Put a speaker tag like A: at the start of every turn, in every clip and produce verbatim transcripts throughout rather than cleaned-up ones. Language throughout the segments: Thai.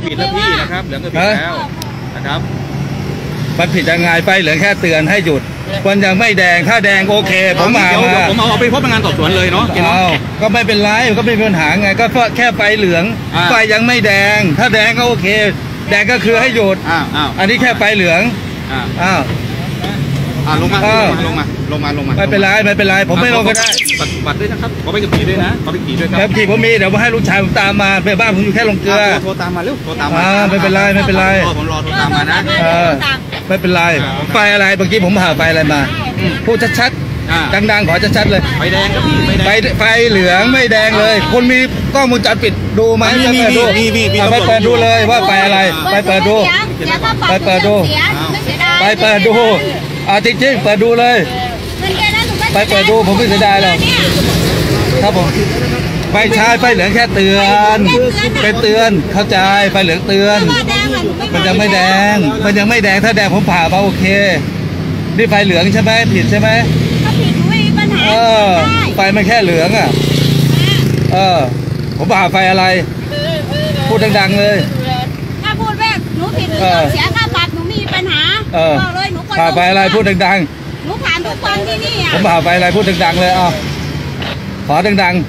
A: ผิดแล้วพี่นะครับเหลืองก็ผิดแล้วนะครับ
B: มันผิดยังไงไฟเหลืองแค่เตือนให้หยุดมันยังไม่แดงถ้าแดงโอเคผมมา
A: ผมเอาไปพบพนักงานสอบสวนเลยเนาะ
B: ก็ไม่เป็นไรก็ไม่มีปัญหาไงก็แค่ไฟเหลืองไฟยังไม่แดงถ้าแดงก็โอเคแดงก็คือให้หยุดอันนี้แค่ไฟเหลืองอ้าว
A: ลงมาลงมาลงมาลงมา
B: ไม่เป็นไรไม่เป็นไรผมไม่ลงก็ได้
A: บัตรด้วยนะครับขอไปกับขี่ด้วยนะขอไปขี่ด้วยครับ
B: ขี่ผมมีเดี๋ยวผมให้ลูกชายผมตามมาไปบ้านผมอยู่แค่ลงเกลือ
A: โทรตามมาเร็วโทรตามมา
B: ไม่เป็นไรไม่เป็นไร
A: ผมรอโทรตามมานะ
B: ไม่เป็นไรไฟอะไรเมื่อกี้ผมหาไฟอะไรมาพูดชัดๆดังๆขอชัดๆเลย
A: ไฟแดงครับพี่
B: ไฟไฟเหลืองไม่แดงเลยคุณมีกล้องวงจรปิดดูไหมไปเปิดดูไปเปิดดูเลยว่าไฟอะไรไปเปิดดูไปเปิดดูไปเปิดดูอ่าจริงๆเปิดดูเลยไปเปิดดูผมไม่เสียดายหรอกครับผมไฟชายไฟเหลืองแค่เตือนเป็นเตือนเข้าใจไฟเหลืองเตือนมันยังไม่แดงมันยังไม่แดงถ้าแดงผมผ่ามาโอเคนี่ไฟเหลืองใช่ไหมผิดใช่ไหม
C: ถ้าผิดหนูไม่มีปัญหา
B: เออไฟมันแค่เหลืองอ่ะเออผมผ่าไฟอะไรพูดดังๆเลย
C: ถ้าพูดแบบหนูผิดหนูเสียค่าปรับหนูมีปัญหาบอกเลยหนู
B: ผ่าไฟอะไรพูดดัง
C: ๆหนูผ่านทุกวันที่นี่อ่ะ
B: ผมผ่าไฟอะไรพูดดังๆเลยอ่ะขอดังๆ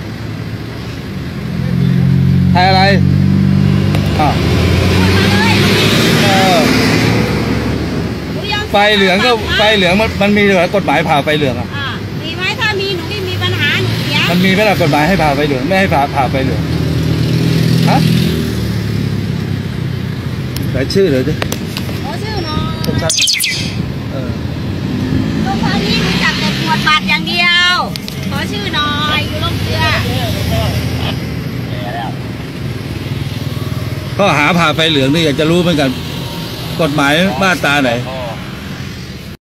B: ไฟอะไรอ่ะไฟเหลืองก็ไฟเหลืองมันมันมีเหรอกฎหมายผ่าไฟเหลืองอ่ะ
C: มีไหมถ้ามีหนูไม่มีปัญหาหนูเสีย
B: มันมีไหมล่ะกฎหมายให้ผ่าไฟเหลืองไม่ให้ผ่าผ่าไฟเหลืองฮะใส่ชื่อเลยดิ
C: ขอชื่อหน่อย
B: ชัดเออ
C: ลูกค้านี้รู้จักแต่ตรวจบัตรอย่างเดียวขอชื่อหน่อยอยู่ลงเกลือ
B: ข้อหาผ่าไฟเหลืองนี่อยากจะรู้เหมือนกันกฎหมายมาตราไหน